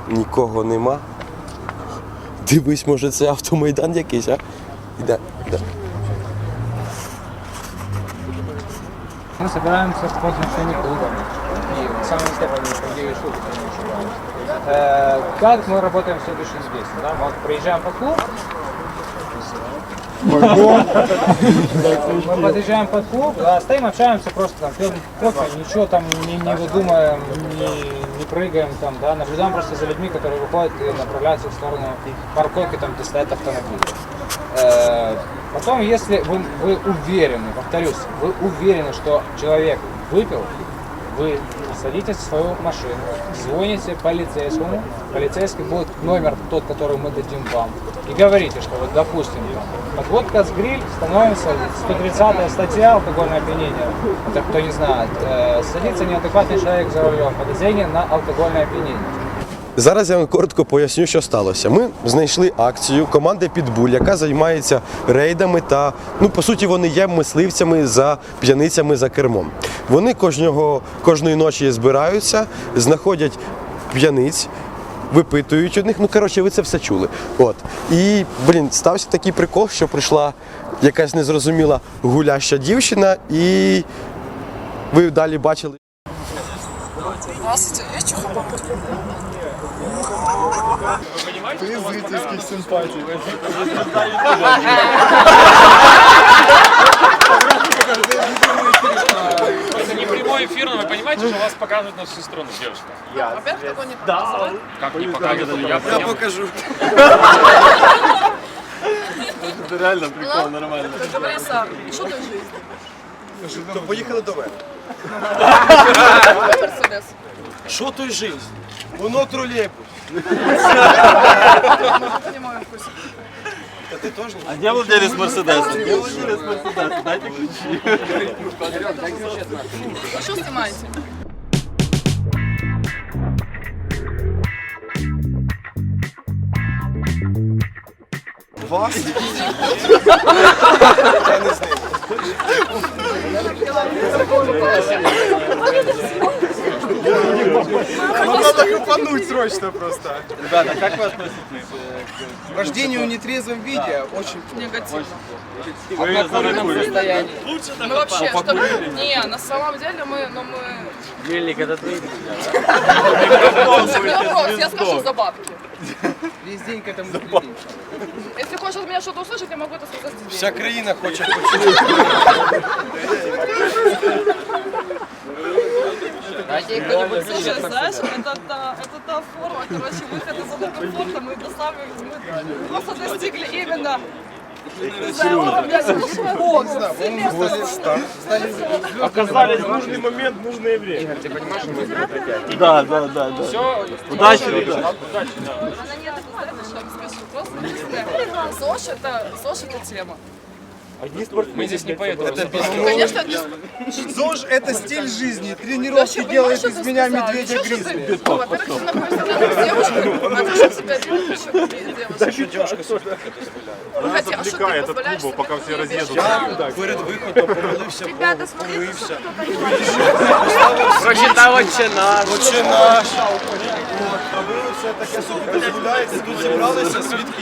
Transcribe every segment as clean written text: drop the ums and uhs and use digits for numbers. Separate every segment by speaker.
Speaker 1: Нікого нема. Дивись, може це автомайдан якийсь, а? Іде.
Speaker 2: Мы собираемся по отношению клуба. И на самом деле, по идее, шутки, не ошибаюсь. Как мы работаем следующий здесь? Да? Мы приезжаем под клуб. Мы подъезжаем под клуб, да, стоим, общаемся, просто там пьем кофе, ничего там не выдумаем, не прыгаем там, да, наблюдаем просто за людьми, которые выходят и направляются в сторону парковки, там, где стоят автомобили. Потом, если вы уверены, повторюсь, вы уверены, что человек выпил, вы садитесь в свою машину, звоните полицейскому, полицейский будет номер тот, который мы дадим вам, и говорите, что вот, допустим, подводка с гриль, становится 130 статья алкогольное опьянение, это кто не знает, садится неадекватный человек за рулем, подозрение на алкогольное опьянение.
Speaker 1: Зараз я вам коротко поясню, що сталося. Ми знайшли акцію команди «Підбуль», яка займається рейдами та, по суті, вони є мисливцями за п'яницями за кермом. Вони кожної ночі збираються, знаходять п'яниць, випитують одних, ви це все чули. І, стався такий прикол, що прийшла якась незрозуміла гуляща дівчина, і ви далі бачили.
Speaker 3: Здравствуйте, есть чухоба?
Speaker 4: Ты зрительских симпатий.
Speaker 5: Это не прямой эфир, но вы понимаете, что вас показывают на всю страну, девушка?
Speaker 3: Во-первых, такого не показывают.
Speaker 5: Как не показывают? Я покажу.
Speaker 4: Это реально прикол, нормально.
Speaker 3: Как говорится, что ты жизнь?
Speaker 1: То поїхали до мене.
Speaker 3: Мерседес.
Speaker 1: Що той жизнь? Воно тролейбус.
Speaker 3: Мы понимаем вкус.
Speaker 1: Та ти теж?
Speaker 4: А где владелец Мерседеса? Где владелец Мерседеса? Дайте ключи.
Speaker 3: Вы что снимаете?
Speaker 1: Вас? Я не знаю.
Speaker 4: Надо хапануть срочно просто.
Speaker 6: Ребята, как вы относитесь
Speaker 4: К вождению в нетрезвом виде очень
Speaker 3: Негативно.
Speaker 6: в алкогольном состоянии?
Speaker 3: Мы вообще, что... Не, на самом деле мы...
Speaker 6: Мельник, это твои
Speaker 3: Не вопрос, я скажу за бабки.
Speaker 4: весь день к этому стремимся.
Speaker 3: Если хочешь от меня что-то услышать, я могу это сказать здесь.
Speaker 1: Вся країна хоче почути.
Speaker 3: Слушай, знаешь, это та форма, короче, выхода из зоны комфорта, мы просто достигли именно уровня Бога.
Speaker 4: Оказались в нужный момент, в нужное время. Игорь, ты понимаешь, что мы прекратим? Да.
Speaker 5: Все,
Speaker 4: Удачи, ребята.
Speaker 5: удачи, да.
Speaker 3: Она не это, знаешь, что я скажу, просто ЗОЖ это тема.
Speaker 5: Мы здесь не поэтому.
Speaker 3: Конечно,
Speaker 4: ЗОЖ – это стиль жизни. Тренировки делают из меня медведя гризли.
Speaker 3: Во-первых, ты находишься рядом с девушкой, а ты что себя делаешь еще девушка?
Speaker 4: Она
Speaker 3: Хотя, а что ты
Speaker 4: отвлекает от
Speaker 3: позволяешь
Speaker 4: клуба,
Speaker 3: себе
Speaker 4: пока все
Speaker 3: не
Speaker 4: разъедутся.
Speaker 1: Перед виходом помолився,
Speaker 3: Ребята, смотрите,
Speaker 6: Прочитал отче наш.
Speaker 1: Отче наш. А ви все таке собі дозволяєте, тут зібралися свідки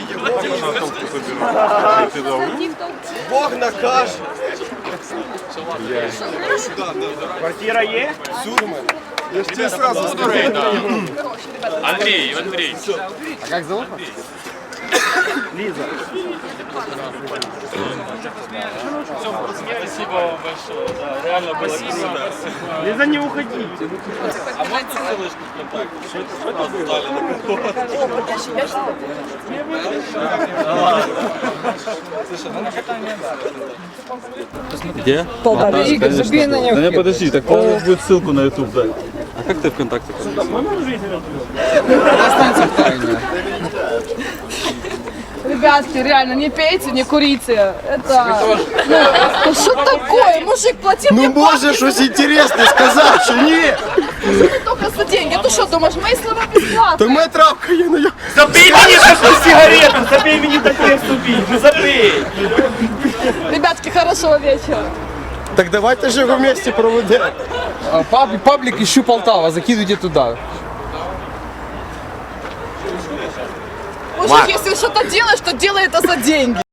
Speaker 1: Єгови. Бог накаже.
Speaker 4: Квартира есть?
Speaker 1: Сюрмен.
Speaker 4: Я ж тебе сразу скажу.
Speaker 5: Андрей.
Speaker 4: А как зовут? Лиза.
Speaker 5: Спасибо вам большое. Да, реально спасибо.
Speaker 4: Лиза, не уходи.
Speaker 5: А можно ссылочку ВКонтакте? Что это дали
Speaker 6: Где?
Speaker 2: Игорь, забей на них.
Speaker 6: Да не, подожди, так надо будет ссылку на YouTube дать. А как ты ВКонтакте?
Speaker 2: Останься в тайне.
Speaker 3: Ребятки, реально, не пейте, не курите. Это... Ну что такое? Мужик, плати мне
Speaker 1: Може щось інтересне сказати, чи ні?
Speaker 3: только за деньги. Ты что думаешь, мои слова бесплатные?
Speaker 1: То моя травка є на
Speaker 4: Забей мне такую сигарету, забей мне такое вступить. Ну забей.
Speaker 3: Ребятки, хорошего вечера.
Speaker 1: Так давайте же його вместе проведемо.
Speaker 2: Паблик ищу Полтава, закидывайте туда.
Speaker 3: Мужик, если что-то делаешь, то делай это за деньги.